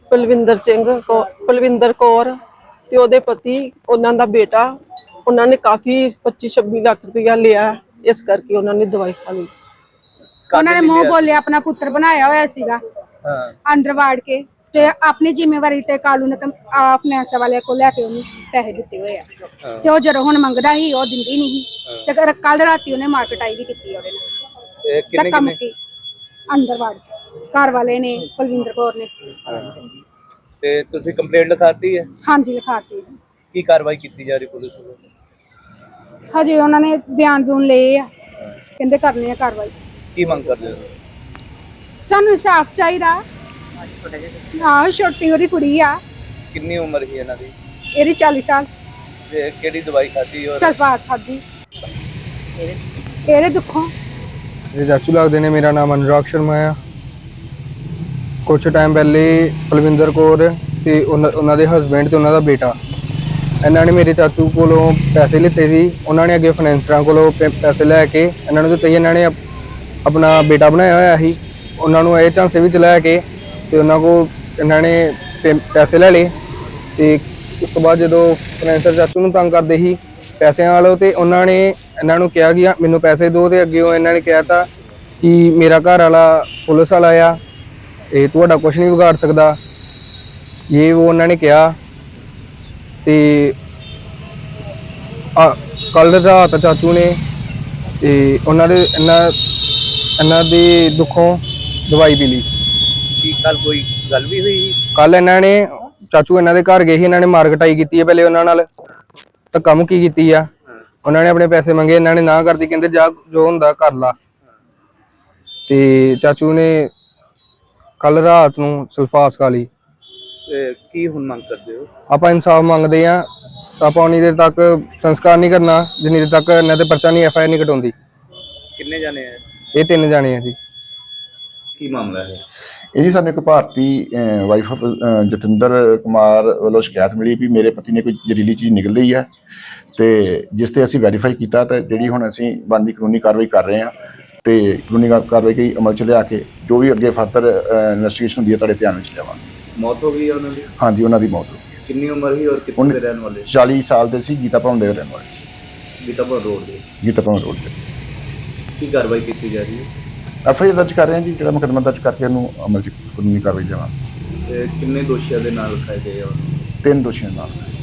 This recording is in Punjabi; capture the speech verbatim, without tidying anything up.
ਪਲਵਿੰਦਰ ਸਿੰਘ ਕੌ- ਪਲਵਿੰਦਰ ਕੌਰ ਤੇ ਉਹਦੇ ਪਤੀ, ਉਹਨਾਂ ਦਾ ਬੇਟਾ। ਉਹਨਾਂ ਨੇ ਕਾਫੀ ਪੱਚੀ ਛੱਬੀ ਲੱਖ ਰੁਪਇਆ ਲਿਆ, ਇਸ ਕਰਕੇ ਉਹਨਾਂ ਨੇ ਦਵਾਈ ਖਾ ਲਈ ਸੀ। ਉਹਨਾਂ ਨੇ ਮੂੰਹ ਬੋਲਿਆ ਆਪਣਾ ਪੁੱਤਰ ਬਣਾਇਆ ਹੋਇਆ ਸੀਗਾ, ਅੰਦਰ ਵਾੜ ਕੇ ਤੇ ਆਪਣੀ ਜ਼ਿੰਮੇਵਾਰੀ ਤੇ ਕਾਲੂ ਨੇ ਆ ਫਾਈਨੈਂਸ ਵਾਲੇ ਕੋਲ ਲੈ ਕੇ ਉਹਨੂੰ ਪੈਸੇ ਦਿੱਤੇ ਹੋਏ ਆ। ਤੇ ਉਹ ਜਦੋਂ ਹੁਣ ਮੰਗਦਾ ਸੀ ਉਹ ਦਿੰਦੀ ਨਹੀਂ ਸੀ। ਤੇ ਕੱਲ ਰਾਤੀ ਉਹਨੇ ਮਾਰਕਟਾਈ ਵੀ ਕੀਤੀ ਉਹਦੇ ਨਾਲ। ਕਿੰਨੇ ਧੱਕਾ ਕਿੰਨੇ ਮੁੱਕੀ ਅੰਦਰ ਵਾੜ ਕੇ ਘਰ ਵਾਲੇ ਨੇ, ਪਲਵਿੰਦਰ ਕੌਰ ਨੇ। ਤੇ ਤੁਸੀਂ ਕੰਪਲੇਂਟ ਲਿਖਾਤੀ ਹੈ? ਹਾਂਜੀ ਲਿਖਾਤੀ। ਕੀ ਕਾਰਵਾਈ ਕੀਤੀ ਜਾ ਰਹੀ ਪੁਲਿਸ ਵੱਲੋਂ? ਹਜੇ ਉਹਨਾਂ ਨੇ ਬਿਆਨ ਬੂਨ ਲਏ ਆ, ਕਹਿੰਦੇ ਕਰਨੀ ਆ ਕਾਰਵਾਈ। ਕੀ ਮੰਗ ਕਰਦੇ ਹੋ? ਸਾਨੂੰ ਇਨਸਾਫ ਚਾਹੀਦਾ। ਆਹ ਛੋਟੀ ਉਹਦੀ ਕੁੜੀ ਆ। ਕਿੰਨੀ ਉਮਰ ਸੀ ਇਹਨਾਂ ਦੀ? ਇਹਦੀ ਚਾਲੀ ਸਾਲ। ਤੇ ਕਿਹੜੀ ਦਵਾਈ ਖਾਧੀ? ਔਰ ਸਲਫਾਸ ਖਾਧੀ ਇਹਦੇ ਦੁੱਖੋਂ। ਇਹ ਚਾਚੂ ਲੱਗਦੇ ਨੇ। ਮੇਰਾ ਨਾਮ ਅਨੁਰਾਗ ਸ਼ਰਮਾ ਆ। ਕੁਛ ਟਾਈਮ ਪਹਿਲੇ ਪਲਵਿੰਦਰ ਕੌਰ ਤੇ ਉਹਨਾਂ ਦੇ ਹਸਬੈਂਡ ਤੇ ਉਹਨਾਂ ਦਾ ਬੇਟਾ, ਇਹਨਾਂ ਨੇ ਮੇਰੇ ਚਾਚੂ ਕੋਲੋਂ ਪੈਸੇ ਲਿੱਤੇ ਸੀ। ਉਹਨਾਂ ਨੇ ਅੱਗੇ ਫਾਈਨੈਂਸਰਾਂ ਕੋਲੋਂ ਪੈਸੇ ਲੈ ਕੇ ਇਹਨਾਂ ਨੂੰ ਦਿੱਤੇ। ਇਹਨਾਂ ਨੇ ਆਪਣਾ ਬੇਟਾ ਬਣਾਇਆ ਹੋਇਆ ਸੀ। ਉਹਨਾਂ ਨੂੰ ਇਹ ਝਾਂਸੇ ਵਿੱਚ ਲੈ ਕੇ ਤੇ ਉਹਨਾਂ ਕੋਲ ਇਹਨਾਂ ਨੇ ਪੈਸੇ ਲੈ ਲਏ। ਤੇ ਉਸ ਤੋਂ ਬਾਅਦ ਜਦੋਂ ਫਾਈਨੈਂਸਰ ਚਾਚੂ ਨੂੰ ਤੰਗ ਕਰਦੇ ਸੀ ਪੈਸਿਆਂ ਵਾਲੋ, ਤੇ ਉਹਨਾਂ ਨੇ ਇਹਨਾਂ ਨੂੰ ਕਿਹਾ ਕਿ ਮੈਨੂੰ ਪੈਸੇ ਦਿਓ। ਤੇ ਅੱਗੇ ਉਹ ਇਹਨਾਂ ਨੇ ਕਿਹਾ ਤਾ ਕਿ ਮੇਰਾ ਘਰ ਵਾਲਾ ਪੁਲਿਸ ਵਾਲਾ ਆ, ਇਹ ਤੁਹਾਡਾ ਕੁਛ ਨਹੀਂ ਵਿਗਾੜ ਸਕਦਾ, ਇਹ ਉਹ ਉਹਨਾਂ ਨੇ ਕਿਹਾ। ਤੇ ਕੱਲ ਰਾਤ ਚਾਚੂ ਨੇ ਤੇ ਉਹਨਾਂ ਦੇ ਇਹਨਾਂ ਇਹਨਾਂ ਦੇ ਦੁੱਖੋਂ ਦਵਾਈ ਪੀ ਲਈ। ਕੀ ਕੱਲ ਕੋਈ ਗੱਲ ਵੀ ਹੋਈ? ਕੱਲ ਇਹਨਾਂ ਨੇ ਚਾਚੂ ਇਹਨਾਂ ਦੇ ਘਰ ਗਏ ਸੀ। ਇਹਨਾਂ ਨੇ ਮਾਰਕਟਾਈ ਕੀਤੀ ਹੈ ਪਹਿਲੇ, ਉਹਨਾਂ ਨਾਲ ਧੱਕਾ ਮੁੱਕੀ ਕੀਤੀ ਆ। ਉਹਨਾਂ ਨੇ ਆਪਣੇ ਪੈਸੇ ਮੰਗੇ, ਇਹਨਾਂ ਨੇ ਨਾ ਕਰਤੀ, ਕਹਿੰਦੇ ਜਾ ਜੋ ਹੁੰਦਾ ਕਰ ਲਾ। ਤੇ ਚਾਚੂ ਨੇ ਕੱਲ ਰਾਤ ਨੂੰ ਸਲਫਾਸ ਖਾ ਲਈ। ਤੇ ਕੀ ਹੁਣ ਮੰਗ ਕਰਦੇ ਹੋ? ਆਪਾਂ ਇਨਸਾਫ ਮੰਗਦੇ ਆ। ਆਪਾਂ ਉਨੀ ਦੇਰ ਤੱਕ ਸੰਸਕਾਰ ਨਹੀਂ ਕਰਨਾ ਜਿੰਨੀ ਦੇਰ ਤੱਕ ਇਹਨਾਂ ਤੇ ਪਰਚਾ ਨਹੀਂ, ਐਫ ਆਈ ਆਰ ਨਹੀਂ ਕਟਾਉਂਦੀ। ਕਿੰਨੇ ਜਾਣੇ ਆ? ਇਹ ਤਿੰਨ ਜਾਣੇ ਆ ਜੀ। ਕੀ ਮਾਮਲਾ ਹੈ ਇਹ ਜੀ? ਸਾਨੂੰ ਇੱਕ ਭਾਰਤੀ ਵਾਈਫ ਆਫ ਜਤਿੰਦਰ ਕੁਮਾਰ ਵੱਲੋਂ ਸ਼ਿਕਾਇਤ ਮਿਲੀ ਵੀ ਮੇਰੇ ਪਤੀ ਨੇ ਕੋਈ ਜ਼ਹਿਰੀਲੀ ਚੀਜ਼ ਨਿਕਲ ਲਈ ਹੈ, ਤੇ ਜਿਸ ਤੇ ਅਸੀਂ ਵੈਰੀਫਾਈ ਕੀਤਾ ਤੇ ਜਿਹੜੀ ਹੁਣ ਅਸੀਂ ਬਣਦੀ ਕਾਨੂੰਨੀ ਕਾਰਵਾਈ ਕਰ ਰਹੇ ਹਾਂ। ਤੇ ਕਾਨੂੰਨੀ ਕਾਰਵਾਈ ਕਈ ਅਮਲ 'ਚ ਲਿਆ ਕੇ ਜੋ ਵੀ ਅੱਗੇ ਫਰਦਰ ਇਨਵੈਸਟੀਗੇਸ਼ਨ ਹੁੰਦੀ ਹੈ ਤੁਹਾਡੇ ਧਿਆਨ ਵਿੱਚ ਲਿਆਵਾਂਗੇ। ਮੌਤ ਹੋ ਗਈ ਹੈ ਉਹਨਾਂ ਦੀ? ਹਾਂਜੀ, ਉਹਨਾਂ ਦੀ ਮੌਤ ਹੋ ਗਈ। ਕਿੰਨੀ ਉਮਰ ਸੀ ਔਰ ਕਿੱਥੇ ਦੇ ਰਹਿਣ ਵਾਲੇ? ਚਾਲੀ ਸਾਲ ਦੇ ਸੀ। ਗੀਤਾ ਭਵਨ ਦੇ ਰਹਿਣ ਵਾਲੇ ਸੀ। ਗੀਤਾਪੁਰ ਰੋਡ ਦੇ? ਗੀਤਾ ਭਵਨ ਰੋਡ ਤੇ। ਕੀ ਕਾਰਵਾਈ ਕੀਤੀ ਜਾ ਰਹੀ ਹੈ? ਐਫ ਆਈ ਆਰ ਦਰਜ ਕਰ ਰਹੇ ਹਾਂ ਜੀ, ਜਿਹੜਾ ਮੁਕੱਦਮਾ ਦਰਜ ਕਰਕੇ ਉਹਨੂੰ ਅਮਲ 'ਚ ਕਾਨੂੰਨੀ ਕਾਰਵਾਈ ਦੇਵਾਂਗੇ। ਤੇ ਕਿੰਨੇ ਦੋਸ਼ੀਆਂ ਦੇ ਨਾਲ ਲਿਖਾਏ ਗਏ ਆ? ਤਿੰਨ ਦੋਸ਼ੀਆਂ ਨਾਲ।